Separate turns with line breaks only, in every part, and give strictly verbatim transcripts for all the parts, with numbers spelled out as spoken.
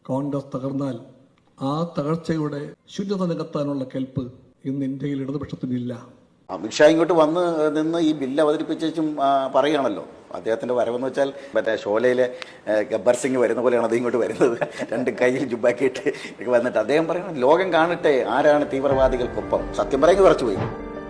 കോൺഗ്രസ് തകർന്നാൽ ആ തകർച്ചയുടെ ശൂന്യത നികത്താനുള്ള കെൽപ്പ് ഇന്ന് ഇന്ത്യയിൽ ഇടതുപക്ഷത്തിനില്ല.
അമിത്ഷാ ഇങ്ങോട്ട് വന്ന് നിന്ന് ഈ ബില്ല് അവതരിപ്പിച്ചും പറയുകയാണല്ലോ. അദ്ദേഹത്തിൻ്റെ വരവെന്ന് വെച്ചാൽ മറ്റേ ഷോലയിലെ ഗബ്ബർ സിംഗ് വരുന്ന പോലെയാണ് അത് ഇങ്ങോട്ട് വരുന്നത്. രണ്ട് കയ്യിൽ ജുബാക്കിയിട്ട് വന്നിട്ട് അദ്ദേഹം പറയണം, ലോകം കാണട്ടെ ആരാണ് തീവ്രവാദികൾക്കൊപ്പം. സത്യം പറയുന്നത് കുറച്ചു പോയി.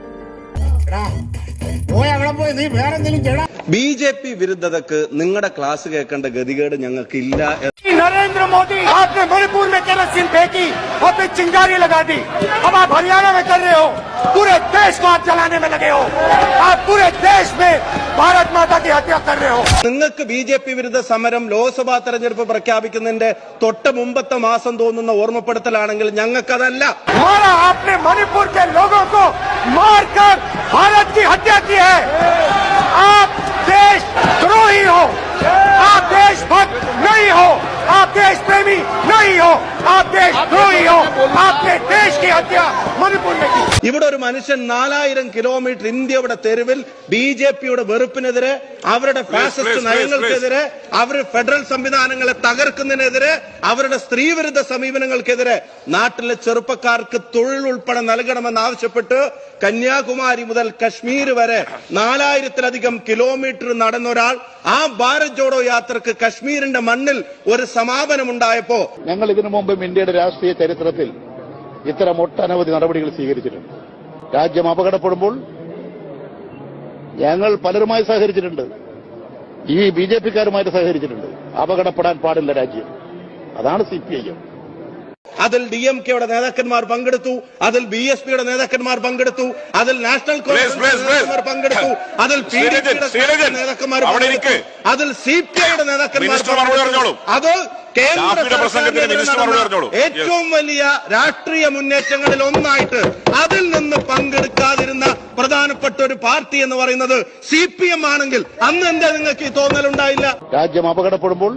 ബി ജെ പി വിരുദ്ധതക്ക് നിങ്ങളുടെ ക്ലാസ് കേൾക്കേണ്ട ഗതികേട് ഞങ്ങൾക്ക് ഇല്ല.
नरेंद्र मोदी आपने मणिपुर में केरोसिन फेंकी और फिर चिंगारी लगा दी. अब आप हरियाणा में कर रहे हो, पूरे देश को आप जलाने में लगे हो. आप पूरे देश में भारत माता की हत्या कर रहे हो.
നിങ്ങൾക്ക് ബി ജെ പി വിരുദ്ധ സമരം ലോക്സഭാ തെരഞ്ഞെടുപ്പ് പ്രഖ്യാപിക്കുന്നതിന്റെ തൊട്ട് മുമ്പത്തെ മാസം തോന്നുന്ന ഓർമ്മപ്പെടുത്തലാണെങ്കിൽ ഞങ്ങൾക്കതല്ല.
हमारा आपने मणिपुर के लोगों को मारकर भारत की हत्या की है. आप देशद्रोही हो, आप देशभक्त नहीं हो, आप देश प्रेमी नहीं हो, आप देशद्रोही हो. आपने देश की हत्या मणिपुर में की.
ഇവിടെ ഒരു മനുഷ്യൻ നാലായിരം കിലോമീറ്റർ ഇന്ത്യയുടെ തെരുവിൽ ബി ജെ പിയുടെ വെറുപ്പിനെതിരെ, അവരുടെ ഫാസിസ്റ്റ് നയങ്ങൾക്കെതിരെ, അവർ ഫെഡറൽ സംവിധാനങ്ങളെ തകർക്കുന്നതിനെതിരെ, അവരുടെ സ്ത്രീവിരുദ്ധ സമീപനങ്ങൾക്കെതിരെ നാട്ടിലെ ചെറുപ്പക്കാർക്ക് തൊഴിൽ ഉൾപ്പെടെ നൽകണമെന്നാവശ്യപ്പെട്ട് കന്യാകുമാരി മുതൽ കശ്മീർ വരെ നാലായിരത്തിലധികം കിലോമീറ്റർ നടന്ന ഒരാൾ ആ ഭാരത് ജോഡോ യാത്രക്ക് കശ്മീരിന്റെ മണ്ണിൽ ഒരു സമാപനമുണ്ടായപ്പോ,
ഞങ്ങൾ ഇതിനു മുമ്പും ഇന്ത്യയുടെ രാഷ്ട്രീയ ചരിത്രത്തിൽ ഇത്തരം ഒട്ടനവധി നടപടികൾ സ്വീകരിച്ചിട്ടുണ്ട്. രാജ്യം അപകടപ്പെടുമ്പോൾ ഞങ്ങൾ പലരുമായി സഹകരിച്ചിട്ടുണ്ട്. ഈ ബി ജെ പിക്കാരുമായിട്ട് സഹകരിച്ചിട്ടുണ്ട്. അപകടപ്പെടാൻ പാടില്ല രാജ്യം. അതാണ് സി പി ഐ എം.
അതിൽ ഡി എം കെയുടെ നേതാക്കന്മാർ പങ്കെടുത്തു, അതിൽ ബി എസ് പിയുടെ നേതാക്കന്മാർ പങ്കെടുത്തു, അതിൽ നാഷണൽ കോൺഗ്രസ് നേതാക്കന്മാർ പങ്കെടുത്തു, അതിൽ പി ഡി പിയുടെ നേതാക്കന്മാർ പങ്കെടുത്തു, അതിൽ സി പി ഐയുടെ നേതാക്കന്മാർ പങ്കെടുത്തു. അത് കേന്ദ്ര ഏറ്റവും വലിയ രാഷ്ട്രീയ മുന്നേറ്റങ്ങളിൽ ഒന്നായിട്ട് അതിൽ നിന്ന് പങ്കെടുക്കാതിരുന്ന പ്രധാനപ്പെട്ട ഒരു പാർട്ടി എന്ന് പറയുന്നത് സി പി എം ആണെങ്കിൽ അന്ന് എന്താ നിങ്ങൾക്ക് ഈ തോന്നലുണ്ടായില്ല?
രാജ്യം അപകടപ്പെടുമ്പോൾ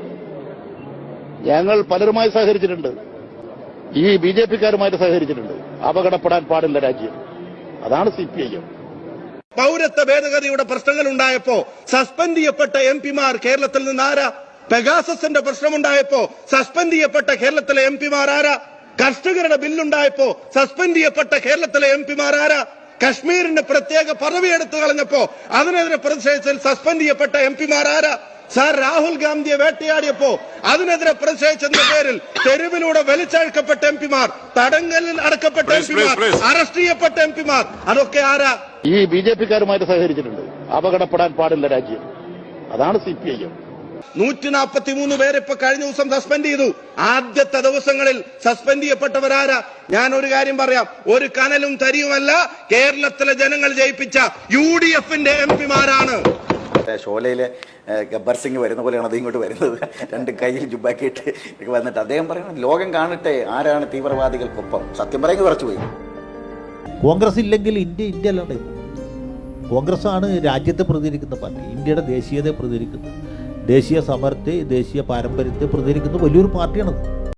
ഞങ്ങൾ പലരുമായി സഹകരിച്ചിട്ടുണ്ട്. ഈ ബി ജെ പിക്കാരുമായിട്ട് സഹകരിച്ചിട്ടുണ്ട്. അപകടപ്പെടാൻ പാടില്ല രാജ്യം. അതാണ് സി പി ഐ എം.
പൗരത്വ ഭേദഗതിയുടെ പ്രശ്നങ്ങൾ ഉണ്ടായപ്പോ സസ്പെൻഡ് ചെയ്യപ്പെട്ട എം പിമാർ കേരളത്തിൽ നിന്ന് ആരാ? പെഗാസസിന്റെ പ്രശ്നമുണ്ടായപ്പോ സസ്പെൻഡ് ചെയ്യപ്പെട്ട കേരളത്തിലെ എം പിമാർ ആരാ? കർഷകരുടെ ബില്ലുണ്ടായപ്പോ സസ്പെൻഡ് ചെയ്യപ്പെട്ട കേരളത്തിലെ എം പിമാർ ആരാ? കശ്മീരിന്റെ പ്രത്യേക പദവി എടുത്തു കളഞ്ഞപ്പോ അതിനെതിരെ പ്രതിഷേധിച്ചതിൽ സസ്പെൻഡ് ചെയ്യപ്പെട്ട എം പിമാർ ആരാ? സാർ രാഹുൽ ഗാന്ധിയെ വേട്ടയാടിയപ്പോ അതിനെതിരെ പ്രതിഷേധിച്ചതിന്റെ പേരിൽ തെരുവിലൂടെ വലിച്ചഴക്കപ്പെട്ട എം പിമാർ, തടങ്കലിൽ അടക്കപ്പെട്ട എം പിമാർ, അറസ്റ്റ് ചെയ്യപ്പെട്ട എം പിമാർ, അതൊക്കെ ആരാ?
ഈ ബി ജെ പിക്കാരുമായിട്ട് സഹകരിച്ചിട്ടുണ്ട്. അപകടപ്പെടാൻ പാടില്ല രാജ്യം. അതാണ് സി പി ഐ എം.
നൂറ്റി നാൽപ്പത്തി മൂന്ന് പേരെ ഇപ്പൊ കഴിഞ്ഞ ദിവസം സസ്പെൻഡ് ചെയ്തു. ആദ്യത്തെ ദിവസങ്ങളിൽ സസ്പെൻഡ് ചെയ്യപ്പെട്ടവരാരാ? ഞാൻ ഒരു കാര്യം പറയാം, ഒരു കനലും തരിയുമല്ല കേരളത്തിലെ ജനങ്ങൾ ജയിപ്പിച്ച യു ഡി എഫിന്റെ എം പിമാരാണ്.
ഷോലയിലെ ഗബ്ബർ സിംഗ് വരുന്ന പോലെയാണ് അത് ഇങ്ങോട്ട് വരുന്നത്. രണ്ട് കയ്യിൽ ജുബാക്കിയിട്ട് വന്നിട്ട് അദ്ദേഹം പറയണം, ലോകം കാണട്ടെ ആരാണ് തീവ്രവാദികൾക്കൊപ്പം. സത്യം പറയുന്നത് കുറച്ചു പോയി.
കോൺഗ്രസ് ഇല്ലെങ്കിൽ ഇന്ത്യ ഇന്ത്യ അല്ലാണ്ട് കോൺഗ്രസ് ആണ് രാജ്യത്തെ പ്രതിനിധിക്കുന്ന പാർട്ടി, ഇന്ത്യയുടെ ദേശീയതയെ പ്രതിനിധിക്കുന്നത്, ദേശീയ സമരത്തെ, ദേശീയ പാരമ്പര്യത്തെ പ്രതിനിധിക്കുന്ന വലിയൊരു പാർട്ടിയാണത്.